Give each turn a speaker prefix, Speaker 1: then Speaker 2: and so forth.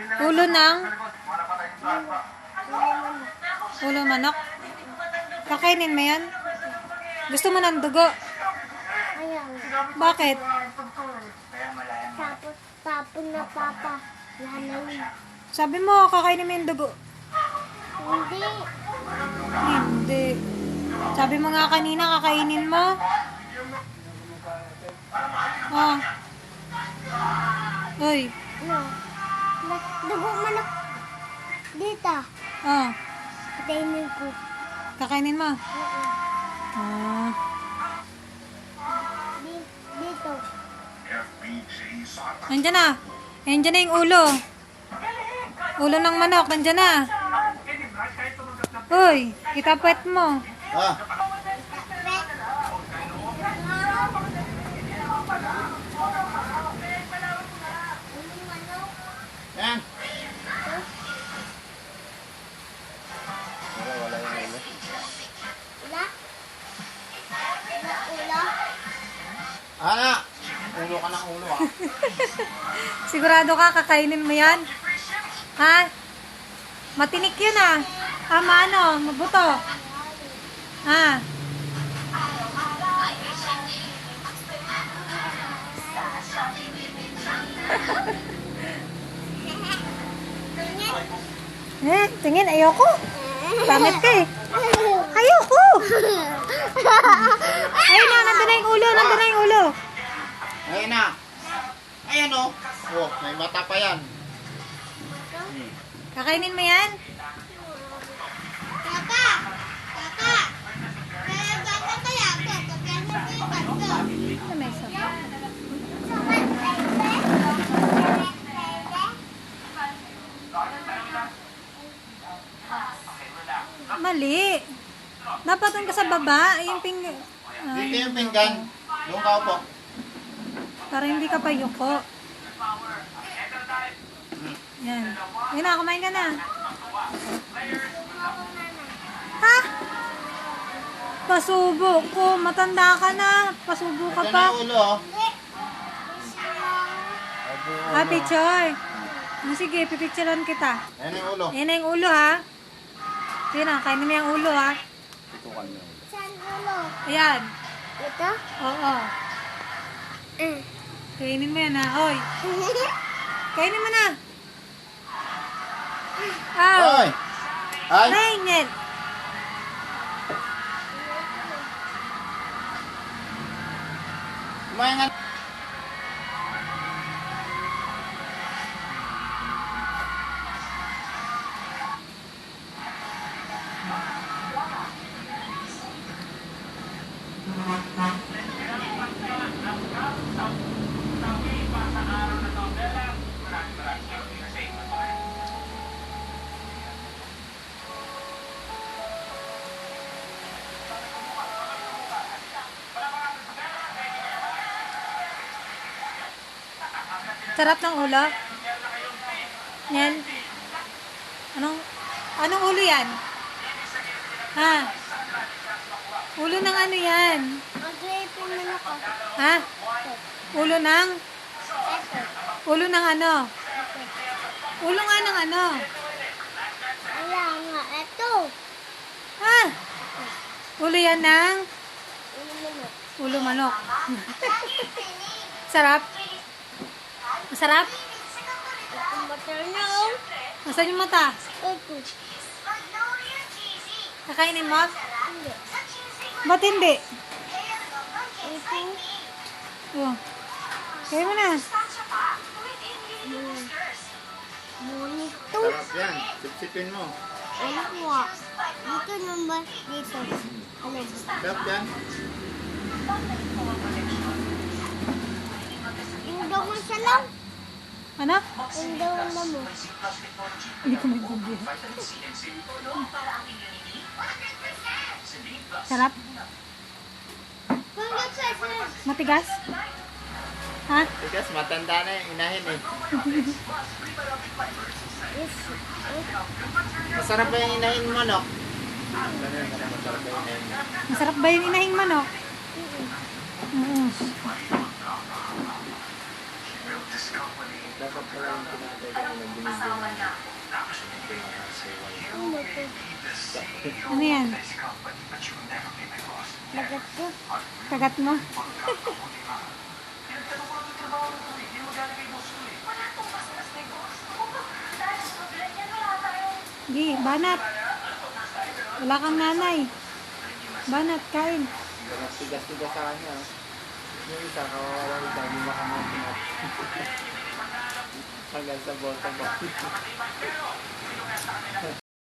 Speaker 1: Ulo ng? Ulo manok? Kakainin mo yan? Gusto mo ng dugo?
Speaker 2: Ayaw.
Speaker 1: Bakit?
Speaker 2: Tapos tapon na papa. Lalaw.
Speaker 1: Sabi mo, kakainin mo yung dugo.
Speaker 2: Hindi.
Speaker 1: Hindi. Sabi mo nga kanina, kakainin mo. Oh. Uy.
Speaker 2: No. Dugo manok. Dito.
Speaker 1: Oh.
Speaker 2: Patayin ko.
Speaker 1: Kakainin mo. Ah.
Speaker 2: Dito.
Speaker 1: Nandyan na. Nandyan na yung ulo. Ulo ng manok. Nandyan na. Uy. Itapwet mo.
Speaker 3: Ah, yan. Wala yung ulo.
Speaker 2: Ula? Ula?
Speaker 3: Ana! Ulo ka ng ulo ah.
Speaker 1: Sigurado ka, kakainin mo yan? Ha? Matinik yun ah. Ano, mabuto. Ha? Tingin, ayoko. Pangit ka eh. Ayoko. Ayun na, nandun na yung ulo, nandun na yung ulo.
Speaker 3: Ayan na. Ayan o. Oh, may mata pa yan.
Speaker 1: Kakainin mo yan?
Speaker 2: Kaka! Kaka! Kaya bata kaya ako. Kaya nagkikat ko.
Speaker 1: Ito may isa. Mali. Dapat doon ka sa baba. Yung
Speaker 3: Dito yung pinggan. Doon ka upo.
Speaker 1: para hindi ka payuko. Yan. Yan na, kumain ka na. Ha? Pasubo ko. Matanda ka na. Pasubo ka
Speaker 3: Ito
Speaker 1: pa.
Speaker 3: na yung ulo oh.
Speaker 1: Ah, picture. Sige, pipicturean kita.
Speaker 3: Ayan yung ulo.
Speaker 1: Yan na yung ulo ha. Yan na, kainin mo yung ulo ha.
Speaker 2: Saan ulo?
Speaker 1: Ayan.
Speaker 2: Ito?
Speaker 1: Oo. Kainin mo yan ha. Hoy. Kainin mo na. Aw.
Speaker 3: Ay! Ay!
Speaker 1: Kainin.
Speaker 3: Kumain nga.
Speaker 1: Sarap ng ulo. Yan. Anong ulo yan? Ha? Ulo ng ano yan?
Speaker 2: Mag-rapin mo na ko.
Speaker 1: Ha? Ulo ng? Ulo ng ano? Ulo nga ng ano?
Speaker 2: Wala nga. Ito.
Speaker 1: Ha? Ulo yan ng?
Speaker 2: Ulo mo na.
Speaker 1: Ulo manok. Sarap? Masarap?
Speaker 2: Ito butter na oh.
Speaker 1: Nasaan yung mata?
Speaker 2: Ito.
Speaker 1: Kakainin mo?
Speaker 2: Hindi.
Speaker 1: Ba't hindi?
Speaker 2: Ito.
Speaker 1: Oh. Kaya mo na.
Speaker 2: Bonito.
Speaker 3: Sarap yan. Sipsipin mo.
Speaker 2: Ano ko? Dito naman. Dito. Ano ba?
Speaker 3: Sarap yan.
Speaker 2: Yung daw mo siya lang.
Speaker 1: Ano?
Speaker 2: Yung daw mo.
Speaker 1: Hindi ko maintindihan. Sarap?
Speaker 2: Hanggang sa
Speaker 1: Matigas? Ha?
Speaker 3: Tigas, matanda na yung inahin eh. Masarap ba yung inahin mo, no? Masarap ba yung inahin mo?
Speaker 1: Masarap ba yung inahing manok? Oo.
Speaker 4: Dapat pala yung tinatay ko nila binibigyan.
Speaker 2: Ano to?
Speaker 1: Ano yan?
Speaker 2: Lagat ko.
Speaker 1: Kagat mo? Di, banat. Wala kang nanay. Banat, kain.
Speaker 4: Tigas-tigas sa kanya. Yung isa, kawawa yung dami makamot. Hanggang sa bottom.